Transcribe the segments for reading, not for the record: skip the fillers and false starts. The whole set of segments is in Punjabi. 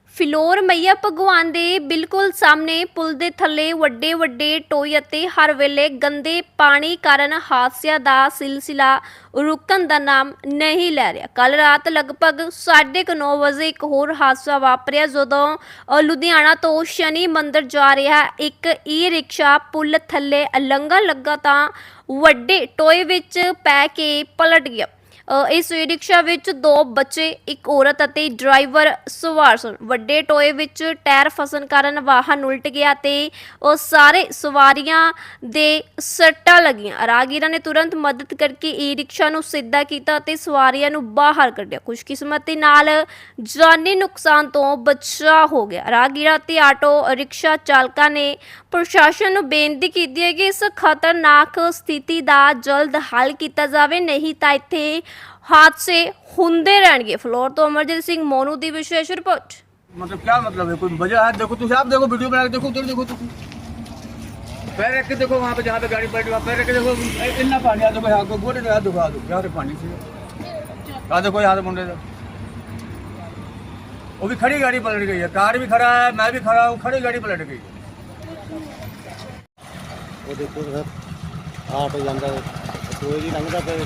ਫਿਲੌਰ ਮਈਆ ਭਗਵਾਨ ਦੇ ਬਿਲਕੁਲ ਸਾਹਮਣੇ ਪੁਲ ਦੇ ਥੱਲੇ ਵੱਡੇ ਵੱਡੇ ਟੋਏ ਅਤੇ ਹਰ ਵੇਲੇ ਗੰਦੇ ਪਾਣੀ ਕਾਰਨ ਹਾਦਸਿਆਂ ਦਾ ਸਿਲਸਿਲਾ ਰੁਕਣ ਦਾ ਨਾਮ ਨਹੀਂ ਲੈ ਰਿਹਾ। ਕੱਲ ਰਾਤ ਲਗਭਗ 9:30 ਵਜੇ ਇੱਕ ਹੋਰ ਹਾਦਸਾ ਵਾਪਰਿਆ ਜਦੋਂ ਲੁਧਿਆਣਾ ਤੋਂ ਸ਼ਨੀ ਮੰਦਿਰ ਜਾ ਰਿਹਾ ਇੱਕ ਈ ਰਿਕਸ਼ਾ ਪੁਲ ਥੱਲੇ ਲੰਘਣ ਲੱਗਾ ਤਾਂ ਵੱਡੇ ਟੋਏ ਵਿੱਚ ਪੈ ਕੇ ਪਲਟ ਗਿਆ। इस रिक्शा विच 2 बच्चे एक औरत अते ड्राइवर सवार सन। वड्डे टोए विच टायर फसन कारण वाहन उल्ट गया ते सारे सवारियां दे सट्टां लगियां। राहगीरां ने तुरंत मदद करके ई रिक्शा नूं सीधा कीता ते सवारियां नूं बाहर कढिया। खुशकिस्मती नाल जानी नुकसान तो बचाव हो गया। राहगीरां ते आटो रिक्शा चालकां ने प्रशासन नूं बेनती कीती है कि इस खतरनाक स्थिति दा जल्द हल कीता जावे, नहीं तां इत्थे हादसे होंदे रहणगे। फ्लोर तो अमरजीत सिंह मोनू दी विशेष रिपोर्ट। मतलब क्या मतलब है, कोई वजह है? देखो तुम आप देखो, वीडियो बना के देखो, उधर देखो तुम पैर रख के देखो, वहाँ पे जहाँ पे गाड़ी पलटी वहाँ पैर रख के देखो। इतना पानी आ देखो, यहाँ को गोरे हाथ देखो, आ देखो यहाँ से पानी से आ देखो, यहाँ से मुंडे से वो भी खड़ी गाड़ी पलट गई है। कार भी खड़ा है, मैं भी खड़ा हूँ, खड़ी गाड़ी पलट गई। वो देखो सर आटो जाता टोए जी लंघदा पे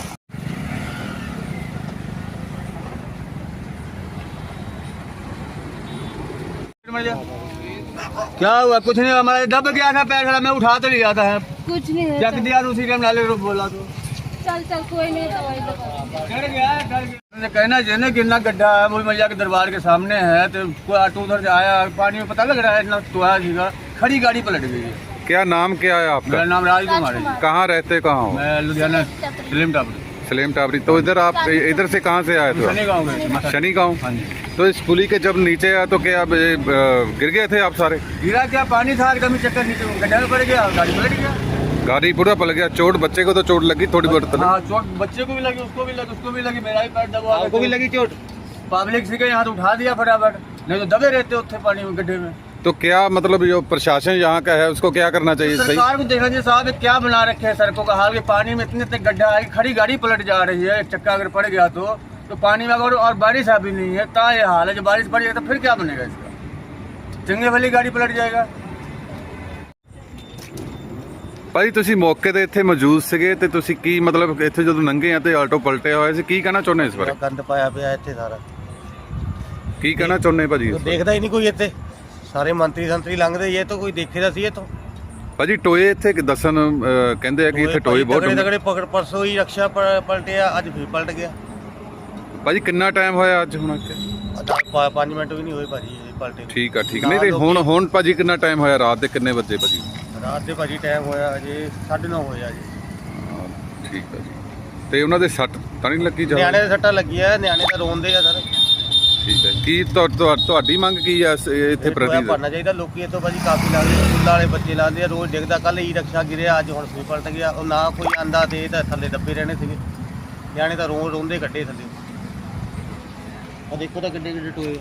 क्या हुआ? कुछ नहीं, हमारे दब गया था पैर, मैं उठा तो लिया था, कुछ नहीं है। चक दिया उसी टाइम, नाले को बोला तो चल चल कोई नहीं, दवाई दवा डर गया। कहना चाहिए कि इतना गड्ढा है, मूल मैया के दरबार के सामने है, तो कोई ऑटो उधर से आया, पानी में पता लग रहा है इतना टोया सीधा, खड़ी गाड़ी पलट गई है। क्या नाम क्या है आपका? मेरा नाम राज कुमार है। कहाँ रहते कहाँ हो? मैं लुधियाना सलीम टापरी। सलेम टाबरी। तो इधर आप इधर से कहाँ से आए थे? शनि गाँव में। शनि गाँव। हाँ जी। तो इस पुली के जब नीचे आया तो क्या गिर गए थे आप सारे? गिरा क्या, पानी था कमी चक्कर नीचे गड्ढे में पड़ गया, गाड़ी पलट गया। गाड़ी पूरा पलट गया। चोट बच्चे को तो चोट लगी थोड़ी बहुत? हाँ चोट बच्चे को भी लगी, उसको भी लगी, उसको भी लगी, मेरा भी पैर दबा, आपको भी लगी चोट? पब्लिक से यहाँ तो उठा दिया फटाफट, नहीं तो दबे रहते उत्थे पानी में गड्ढे में। तो क्या मतलब जो प्रशासन यहाँ का है उसको क्या करना चाहिए? सही सरकार को देखना चाहिए साहब, क्या बना रखे हैं सड़कों का हाल, के पानी में इतने गड्ढा है, खड़ी गाड़ी पलट जा रही है, एक चक्का अगर पड़ गया तो पानी में अगर और बारिश अभी नहीं है ता ये हाल है। जब बारिश पड़ जाएगी तो फिर क्या बनेगा इसका? चंगे वाली गाड़ी पलट जाएगा। ਭਾਈ ਤੁਸੀਂ ਮੌਕੇ ਤੇ ਇੱਥੇ ਮੌਜੂਦ ਸੀਗੇ ਤੇ ਤੁਸੀਂ ਕੀ ਮਤਲਬ ਇੱਥੇ ਜਦੋਂ ਲੰਘੇ ਆ ਤੇ ਆਟੋ ਪਲਟਿਆ ਹੋਇਆ ਸੀ, ਕੀ ਕਹਿਣਾ ਚਾਹੁੰਦੇ ਇਸ ਬਾਰੇ? ਗੰਦ ਪਾਇਆ ਪਿਆ ਇੱਥੇ ਸਾਰਾ, ਕੀ ਕਹਿਣਾ ਚਾਹੁੰਦੇ ਭਾਜੀ ਇਸ ਬਾਰੇ? ਦੇਖਦਾ ਹੀ ਨਹੀਂ ਕੋਈ ਇੱਥੇ, ਸਾਰੇ ਮੰਤਰੀ ਸੰਤਰੀ ਲੰਘਦੇ ਹੀ, ਇਹ ਤਾਂ ਕੋਈ ਦੇਖੇਦਾ ਸੀ ਇਹ ਤੋਂ। ਭਾਜੀ ਟੋਏ ਇੱਥੇ ਦੱਸਣ ਕਹਿੰਦੇ ਆ ਕਿ ਇੱਥੇ ਟੋਏ ਬਹੁਤ ਤਗੜੇ ਪਕੜ, ਪਰਸੋਂ ਹੀ ਰਕਸ਼ਾ ਪਲਟਿਆ, ਅੱਜ ਫਿਰ ਪਲਟ ਗਿਆ। ਭਾਜੀ ਕਿੰਨਾ ਟਾਈਮ ਹੋਇਆ ਅੱਜ ਹੁਣ ਇੱਥੇ? 5 ਮਿੰਟ ਵੀ ਨਹੀਂ ਹੋਏ ਭਾਜੀ ਇਹ ਪਲਟੇ। ਠੀਕ ਆ ਠੀਕ। ਨਹੀਂ ਤੇ ਹੁਣ ਭਾਜੀ ਕਿੰਨਾ ਟਾਈਮ ਹੋਇਆ? ਰਾਤ ਦੇ ਕਿੰਨੇ ਵਜੇ ਭਾਜੀ? ਰਾਤ ਦੇ ਭਾਜੀ ਟਾਈਮ ਹੋਇਆ ਅਜੇ 9:30 ਹੋਇਆ ਜੀ। ਠੀਕ ਆ ਜੀ। ਤੇ ਉਹਨਾਂ ਦੇ ਸੱਟ ਤਾਂ ਨਹੀਂ ਲੱਗੀ ਜਾ? ਨਿਆਣੇ ਦੇ ਸੱਟਾਂ ਲੱਗੀਆਂ, ਨਿਆਣੇ ਤਾਂ ਰੋਂਦੇ ਆ ਸਰ। ਠੀਕ ਹੈ। ਕੀ ਤੁਹਾਡੀ ਮੰਗ ਕੀ ਆ ਇੱਥੇ ਪ੍ਰਤੀ? ਭਰਨਾ ਚਾਹੀਦਾ, ਲੋਕੀ ਇੱਥੋਂ ਭਾਜੀ ਕਾਫੀ ਲਾਉਂਦੇ, ਸਕੂਲਾਂ ਵਾਲੇ ਬੱਚੇ ਲਾਉਂਦੇ ਆ, ਰੋਜ਼ ਡਿੱਗਦਾ। ਕੱਲ ਈ ਰਿਕਸ਼ਾ ਗਿਰਿਆ, ਅੱਜ ਹੁਣ ਫਿਰ ਪਲਟ ਗਿਆ। ਉਹ ਨਾ ਕੋਈ ਆਂਦਾ ਤੇ ਤਾਂ ਥੱਲੇ ਦੱਬੇ ਰਹਿਣੇ ਸੀਗੇ, ਨਿਆਣੇ ਤਾਂ ਰੋਂਦੇ ਕੱਢੇ ਥੱਲੇ। ਆ ਦੇਖੋ ਤਾਂ ਕਿੱਡੇ ਕਿੱਡੇ ਟੋਏ।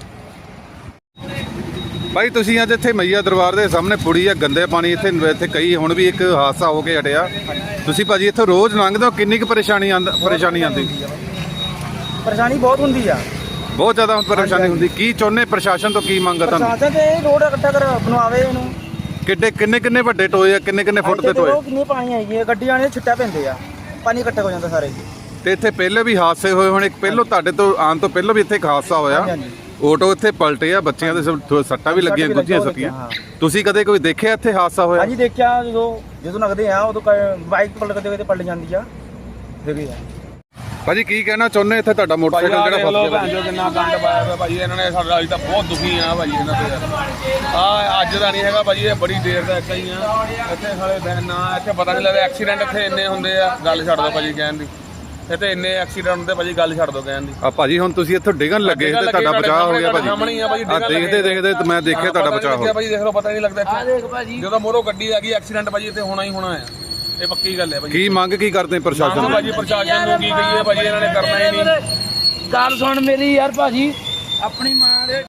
ਭਾਈ ਤੁਸੀਂ ਅੱਜ ਇੱਥੇ ਮਈਆ ਦਰਬਾਰ ਦੇ ਸਾਹਮਣੇ ਪੁੜੀ ਆ, ਗੰਦੇ ਪਾਣੀ ਇੱਥੇ ਕਈ ਹੁਣ ਵੀ ਇੱਕ ਹਾਦਸਾ ਹੋ ਕੇ ਹਟਿਆ। ਤੁਸੀਂ ਭਾਜੀ ਇੱਥੇ ਰੋਜ਼ ਲੰਘਦੇ ਹੋ, ਕਿੰਨੀ ਕੁ ਪਰੇਸ਼ਾਨੀ ਆਉਂਦੀ? ਪਰੇਸ਼ਾਨੀ ਬਹੁਤ ਹੁੰਦੀ ਆ, ਬਹੁਤ ਜ਼ਿਆਦਾ ਪਰੇਸ਼ਾਨੀ ਹੁੰਦੀ। ਕੀ ਚਾਹੁੰਦੇ ਪ੍ਰਸ਼ਾਸਨ ਤੋਂ, ਕੀ ਮੰਗ ਆ ਤੁਹਾਨੂੰ? ਪ੍ਰਸ਼ਾਸਨ ਤੇ ਰੋਡ ਇਕੱਠਾ ਕਰ ਬਣਵਾਵੇ ਇਹਨੂੰ। ਕਿੰਨੇ ਵੱਡੇ ਟੋਏ ਆ, ਕਿੰਨੇ ਫੁੱਟ ਦੇ ਟੋਏ? ਕਿੰਨੀ ਪਾਣੀ ਆਈ ਹੈ, ਗੱਡੀਆਂ ਨੇ ਛਿੱਟਾ ਪੈਂਦੇ ਆ, ਪਾਣੀ ਇਕੱਠਾ ਹੋ ਜਾਂਦਾ ਸਾਰੇ। ਤੇ ਇੱਥੇ ਪਹਿਲੇ ਵੀ ਹਾਦਸੇ ਹੋਏ ਹੁਣ, ਇੱਕ ਪਹਿਲੋਂ ਤੁਹਾਡੇ ਤੋਂ ਆਉਣ ਤੋਂ ਪਹਿਲਾਂ ਵੀ ਇੱਥੇ ਇੱਕ ਹਾਦਸਾ ਹੋਇਆ, ਆਟੋ ਇੱਥੇ ਪਲਟੇ ਆ, ਬੱਚਿਆਂ ਦੇ ਸੱਟਾਂ ਵੀ ਲੱਗੀਆਂ, ਗੁੱਝੀਆਂ ਸੱਟੀਆਂ। ਤੁਸੀਂ ਕਦੇ ਕੋਈ ਦੇਖਿਆ ਇੱਥੇ ਹਾਦਸਾ ਹੋਇਆ? ਹਾਂਜੀ ਦੇਖਿਆ, ਜਦੋਂ ਲੱਗਦੇ ਆ ਉਦੋਂ ਬਾਈਕ ਪਲਟ ਪਲਟ ਜਾਂਦੀ ਆ, ਦੇਖੀ ਆ। ਭਾਜੀ ਕੀ ਕਹਿਣਾ ਚਾਹੁੰਦੇ ਇੱਥੇ ਤੁਹਾਡਾ ਮੋਟਰਸਾਈਕਲ ਜਿਹੜਾ ਫਸ ਗਿਆ? ਕਿੰਨਾ ਗੰਦ ਪਾਇਆ ਪਿਆ ਭਾਜੀ ਇਹਨਾਂ ਨੇ ਸਾਡਾ। ਅੱਜ ਤਾਂ ਬਹੁਤ ਦੁਖੀ ਆ ਭਾਜੀ ਇਹਨਾਂ ਤੋਂ। ਆ ਅੱਜ ਦਾ ਨਹੀਂ ਹੈਗਾ ਭਾਜੀ, ਇਹ ਬੜੀ ਦੇਰ ਦਾ ਇੱਥੇ ਹੀ ਆ। ਇੱਥੇ ਸਾਲੇ ਦਿਨ ਨਾ ਇੱਥੇ ਪਤਾ ਨਹੀਂ ਲੱਗਦਾ, ਐਕਸੀਡੈਂਟ ਇੱਥੇ ਇੰਨੇ ਹੁੰਦੇ ਆ, ਗੱਲ ਛੱਡ ਦੋ ਭਾਜੀ ਕਹਿਣ ਦੀ। ਇੱਥੇ ਇੰਨੇ ਐਕਸੀਡੈਂਟ ਹੁੰਦੇ ਭਾਜੀ, ਗੱਲ ਛੱਡ ਦੋ ਕਹਿਣ ਦੀ। ਆ ਭਾਜੀ ਹੁਣ ਤੁਸੀਂ ਇੱਥੋਂ ਡਿੱਗਣ ਲੱਗੇ ਤੇ ਤੁਹਾਡਾ ਬਚਾਅ ਹੋ ਗਿਆ ਭਾਜੀ। ਦੇਖਦੇ ਤੇ ਮੈਂ ਦੇਖਿਆ ਤੁਹਾਡਾ ਬਚਾਅ ਹੋ ਗਿਆ ਭਾਜੀ। ਦੇਖ ਲਓ, ਪਤਾ ਨਹੀਂ ਲੱਗਦਾ ਇੱਥੇ ਜਦੋਂ ਮੋਰੋਂ ਗੱਡੀ ਆ ਗਈ, ਐਕਸੀਡੈਂਟ ਭਾਜੀ ਇੱਥੇ ਹੋਣਾ ਹੀ ਹੋਣਾ ਆ, ਇਹ ਪੱਕੀ ਗੱਲ ਹੈ ਭਾਜੀ। ਕੀ ਮੰਗ ਕੀ ਕਰਦੇ ਪ੍ਰਸ਼ਾਸਨ ਨੂੰ? ਭਾਜੀ ਪ੍ਰਸ਼ਾਸਨ ਨੂੰ ਕੀ ਕਹੀਏ ਭਾਜੀ, ਇਹਨਾਂ ਨੇ ਕਰਨਾ ਹੀ ਨਹੀਂ। ਗੱਲ ਸੁਣ ਮੇਰੀ ਯਾਰ ਭਾਜੀ, ਆਪਣੀ